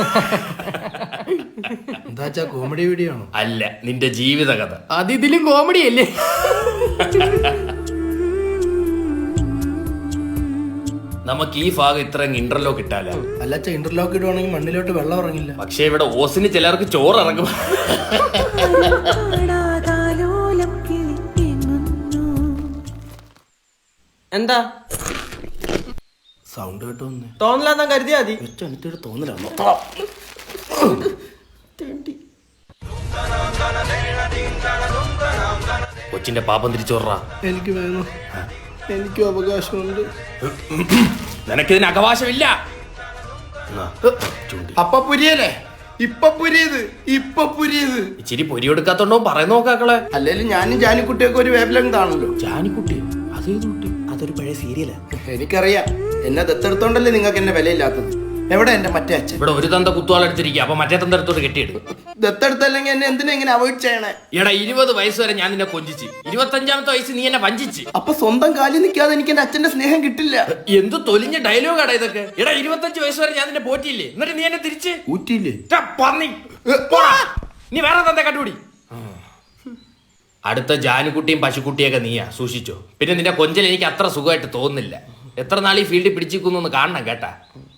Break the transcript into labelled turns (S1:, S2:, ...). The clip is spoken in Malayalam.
S1: എന്താ കോമഡി വീഡിയോ ആണോ?
S2: അല്ല, നിന്റെ ജീവിത കഥ.
S1: അത് ഇതിലും കോമഡി അല്ലേ?
S2: നമുക്ക് ഈ ഭാഗം ഇത്ര ഇന്റർലോക്ക് ഇട്ടാലോ?
S1: അല്ലച്ച, ഇന്റർലോക്ക് ഇടുവാണെങ്കിൽ മണ്ണിലോട്ട് വെള്ളം ഇറങ്ങില്ല.
S2: പക്ഷെ ഇവിടെ ഓസിന് ചിലർക്ക് ചോറ് ഇറങ്ങും.
S3: എന്താ
S1: സൗണ്ട് കേട്ടോ?
S3: തോന്നലാന്നാ കരുതിയാ മതി.
S1: എനിക്കൊരു തോന്നലാണോ?
S2: കൊച്ചിന്റെ പാപം തിരിച്ചോറാ.
S1: എനിക്ക് വേണം, എനിക്കും അവകാശമുണ്ട്.
S2: നിനക്കിതിന് അവകാശമില്ല.
S1: അപ്പ പുരിയല്ലേ? ഇപ്പൊ പുരിയത്
S2: ഇച്ചിരി പൊരി എടുക്കാത്തോണ്ടോ പറയുന്ന നോക്കാക്കളെ.
S1: അല്ലേലും ഞാനും ജാനിക്കുട്ടിയൊക്കെ ഒരു വേവ് ലെങ്ത് ആണല്ലോ.
S2: ജാനിക്കുട്ടി അതേത് കുട്ടി?
S3: അതൊരു പഴയ സീരിയലാ.
S1: എനിക്കറിയാം, എന്നെ ദത്തെടുത്തോണ്ടല്ലേ നിങ്ങൾക്ക് എന്നെ വിലയില്ലാത്തത്. എവിടെ എന്റെ മറ്റേ അച്ഛൻ?
S2: ഇവിടെ ഒരു തന്ത കുത്തുവാളെടുത്തിരിക്കുക, അപ്പൊ മറ്റേ തന്ത എടുത്തോട്ട് കെട്ടിയെടുക്കും.
S1: ദത്തെടുത്തല്ലെങ്കിൽ എന്നെ എന്തിനാ ഇങ്ങനെ അവോയ്ഡ് ചെയ്യണേ?
S2: എടാ, 20 വയസ്സ് വരെ ഞാൻ നിന്നെ കൊഞ്ചിച്ച്, 25ാമത്തെ വയസ്സ് നീ എന്നെ വഞ്ചിച്ച്.
S1: അപ്പൊ സ്വന്തം കാലിൽ നിൽക്കാതെ എനിക്ക് എന്റെ അച്ഛന്റെ സ്നേഹം കിട്ടില്ല.
S2: എന്ത് തൊലിഞ്ഞ ഡയലോഗാടാ ഇതൊക്കെ. എടാ, 25 വയസ്സ് വരെ ഞാൻ നിന്നെ പോറ്റിയില്ലേ, എന്നിട്ട് നീ എന്നെ തിരിച്ച്
S1: ഊറ്റിയില്ലേ?
S2: പന്നി പോടാ. നീ വേറെ തന്ത കണ്ടുപിടി. അടുത്ത ജാനുകുട്ടിയും പശുക്കുട്ടിയൊക്കെ നീയാ, സൂക്ഷിച്ചോ. പിന്നെ നിന്റെ കൊഞ്ചൽ എനിക്ക് അത്ര സുഖമായിട്ട് തോന്നുന്നില്ല. എത്ര നാൾ ഈ ഫീൽഡിൽ പിടിച്ചിരിക്കുന്നു കാണണം കേട്ടാ.